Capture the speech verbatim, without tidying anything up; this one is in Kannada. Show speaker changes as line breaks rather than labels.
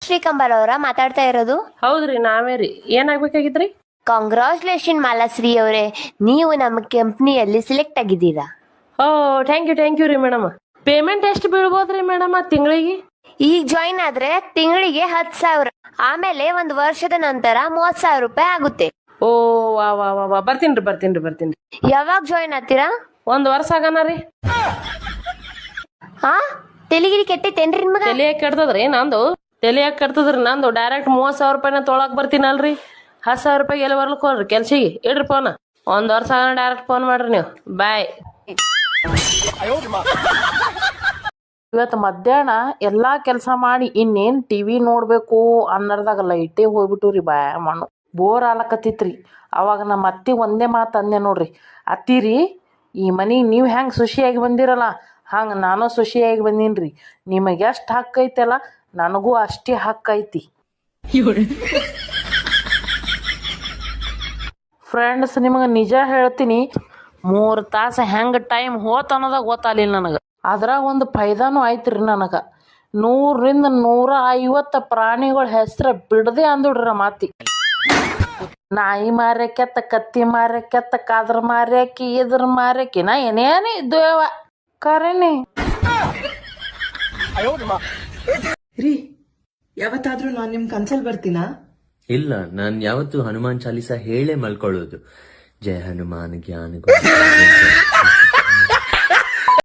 ಶ್ರೀಕಂಬಲ್ ಅವರ ಮಾತಾಡ್ತಾ ಇರೋದು?
ಹೌದ್ರಿ, ನಾವೇ ರೀ. ಏನಾಗ್ಬೇಕಾಗಿತ್ರಿ?
ಕಾಂಗ್ರಾಚುಲೇಷನ್ ಮಾಲಾಶ್ರೀ ಅವರೇ, ನೀವು ನಮ್ಮ ಕಂಪ್ನಿಯಲ್ಲಿ ಸಿಲೆಕ್ಟ್ ಆಗಿದ್ದೀರಾ.
Oh thank you thank you ರೀ ಮೇಡಮ್. ಪೇಮೆಂಟ್ ಎಷ್ಟು ಬೀಳ್ಬೋದ್ರಿ ಮೇಡಮ್ ತಿಂಗಳಿಗೆ?
ಈಗ ಜಾಯಿನ್ ಆದ್ರೆ ತಿಂಗಳಿಗೆ ಹತ್ತು ಸಾವಿರ, ಆಮೇಲೆ ಒಂದು ವರ್ಷದ ನಂತರ ಮೂವತ್ ಸಾವಿರ ರೂಪಾಯಿ ಆಗುತ್ತೆ.
ಓ ವಾ ವಾ ವಾ ವಾ ಬರ್ತೀನ್ರಿ ಬರ್ತೀನ್ರಿ ಬರ್ತೀನ್ರಿ.
ಯಾವಾಗ ಜಾಯಿನ್ ಆಗ್ತೀರಾ?
ಒಂದ್ ವರ್ಷ ಆಗನ ರೀ.
ಹಾ, ತೆಲಿಗಿರಿ ಕೆಟ್ಟೈತೇನ್ರಿ ನಿಮ್ಗ?
ತಲಿಯಾಗ ಕೆಡ್ತದ್ರಿ ನಂದು, ತಲಿಯಾಗ ಕೆಡ್ತದ್ರಿ ನಂದು. ಡೈರೆಕ್ಟ್ ಮೂವತ್ ಸಾವಿರ ರೂಪಾಯಿನ ತೊಳಕ್ ಬರ್ತೀನಲ್ರಿ. ಹತ್ತು ಸಾವಿರ ರೂಪಾಯಿ ಎಲ್ಲಿ ಬರ್ಲಿಕ್ ಹೋಗ್ರಿ ಕೆಲ್ಸಿಗೆ. ಇಡ್ರಿ ಫೋನ್. ಒಂದ್ ವರ್ಷ ಆಗನ ಡೈರೆಕ್ಟ್ ಫೋನ್ ಮಾಡ್ರಿ ನೀವು. ಬಾಯ್.
ಇವತ್ತು ಮಧ್ಯಾಹ್ನ ಎಲ್ಲಾ ಕೆಲಸ ಮಾಡಿ ಇನ್ನೇನ್ ಟಿವಿ ನೋಡ್ಬೇಕು ಅನ್ನರ್ದಾಗ ಲೈಟೇ ಹೋಗ್ಬಿಟ್ಟು ರೀ ಬಾ ಮಣ್ಣು ಬೋರ್ ಆಲಕತ್ತಿತ್ರಿ. ಅವಾಗ ನಮ್ಮ ಅತ್ತಿ ಒಂದೇ ಮಾತು ಅಂದೆ ನೋಡ್ರಿ, ಅತ್ತಿರಿ ಈ ಮನೆಗೆ ನೀವು ಹೆಂಗೆ ಖುಷಿಯಾಗಿ ಬಂದಿರಲ್ಲ ಹಂಗೆ ನಾನು ಖುಷಿಯಾಗಿ ಬಂದೀನಿ. ನಿಮಗೆ ಎಷ್ಟು ಹಕ್ಕು ಐತಲ್ಲ ನನಗೂ ಅಷ್ಟೇ ಹಕ್ಕು ಐತಿ. ಫ್ರೆಂಡ್ಸ್, ನಿಮಗೆ ನಿಜ ಹೇಳ್ತೀನಿ, ಮೂರು ತಾಸು ಹೆಂಗೆ ಟೈಮ್ ಹೋತ್ ಅನ್ನೋದಾಗ ಗೊತ್ತಾಗಲಿಲ್ಲ ನನಗೆ. ಅದ್ರಾಗ ಒಂದು ಫೈದಾನು ಆಯ್ತು ರೀ ನನಗೆ. ನೂರಿಂದ ನೂರ ಐವತ್ತು ಪ್ರಾಣಿಗಳ ಹೆಸ್ರು ಬಿಡದೆ ಅಂದುಡ್ರಿ ಮಾತಿ. ನಾಯಿ ಮಾರ್ಯಾಕೆತ್ತ, ಕತ್ತಿ ಮಾರ್ಯಾಕೆತ್ತ, ಕಾದ್ರ ಮಾರ್ಯಾಕಿ, ಇದ್ರ ಮಾರ್ಯಾಕಿ, ನಾ ಏನೇನೇ ಇದ್ದೇವ ಕರೇನಿ
ರೀ. ಯಾವತ್ತಾದ್ರೂ ನಾನ್ ನಿಮ್ ಕನ್ಸಲ್ ಬರ್ತೀನಾ?
ಇಲ್ಲ, ನಾನ್ ಯಾವತ್ತು ಹನುಮಾನ್ ಚಾಲೀಸ ಹೇಳೇ ಮಲ್ಕೊಳ್ಳೋದು. ಜಯ ಹನುಮಾನ್ ಜ್ಞಾನ